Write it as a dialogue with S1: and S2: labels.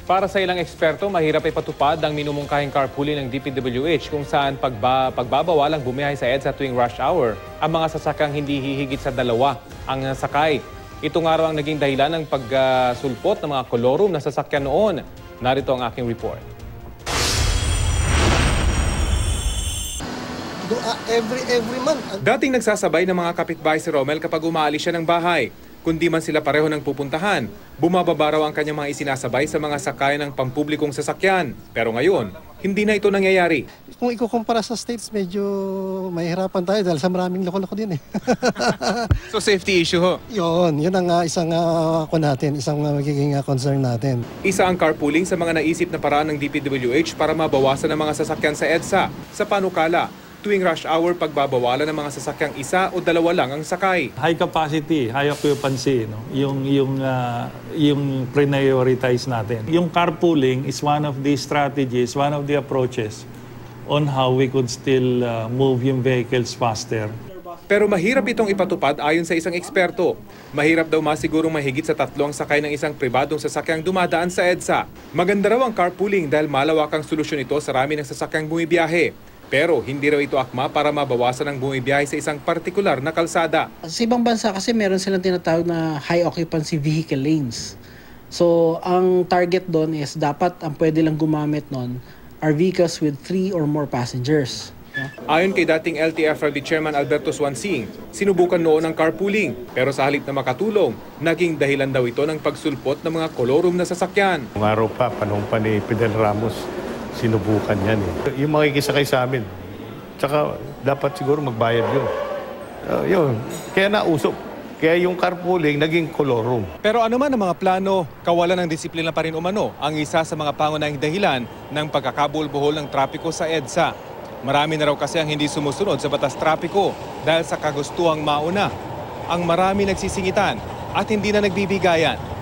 S1: Para sa ilang eksperto, mahirap ipatupad ang minumungkahing carpooling ng DPWH kung saan pagbabawalang bumiyahe sa EDSA tuwing rush hour ang mga sasakyang hindi hihigit sa 2 ang sakay. Ito nga raw ang naging dahilan ng pagsulpot ng mga kolorum na sasakyan noon. Narito ang aking report.
S2: Every month.
S3: Dating nagsasabay ng mga kapitbahay si Romel kapag umaalis siya ng bahay. Kundi man sila pareho ng pupuntahan, bumababa raw ang kanyang mga isinasabay sa mga sakay ng pampublikong sasakyan. Pero ngayon, hindi na ito nangyayari.
S2: Kung ikukumpara sa states, medyo mahihirapan tayo dahil sa maraming loko-loko din eh.
S3: So safety issue ho?
S2: Yun ang isang isang magiging concern natin.
S3: Isa ang carpooling sa mga naisip na paraan ng DPWH para mabawasan ang mga sasakyan sa EDSA. Sa panukala, tuwing rush hour pagbabawalan ng mga sasakyang 1 o 2 lang ang sakay.
S4: High capacity, high occupancy, no? Yung prioritize natin. Yung carpooling is one of the strategies, one of the approaches on how we could still move yung vehicles faster.
S3: Pero mahirap itong ipatupad ayon sa isang eksperto. Mahirap daw masigurong mahigit sa 3 ang sakay ng isang pribadong sasakyang dumadaan sa EDSA. Maganda raw ang carpooling dahil malawak ang solusyon ito sa rami ng sasakyang bumibiyahe. Pero hindi raw ito akma para mabawasan ang bumibiyahe sa isang partikular na kalsada.
S5: Sa ibang bansa kasi meron silang tinatawag na high occupancy vehicle lanes. So ang target doon is dapat ang pwede lang gumamit noon are vehicles with 3 or more passengers.
S3: Ayon kay dating LTFRB Chairman Alberto Swansing, sinubukan noon ang carpooling pero sa halip na makatulong, naging dahilan daw ito ng pagsulpot ng mga kolorum na sasakyan.
S6: Nung araw pa, panahon pa ni Fidel Ramos, sinubukan yan eh. Yung makikisakay sa amin, tsaka dapat siguro magbayad yun. Yun, kaya nausok. Kaya yung carpooling naging kolorum.
S3: Pero ano man ang mga plano, kawalan ng disiplina pa rin umano ang isa sa mga pangunahing dahilan ng pagkakabulbuhol ng trapiko sa EDSA. Marami na raw kasi ang hindi sumusunod sa batas trapiko dahil sa kagustuhang mauna. Ang marami nagsisingitan at hindi na nagbibigayan.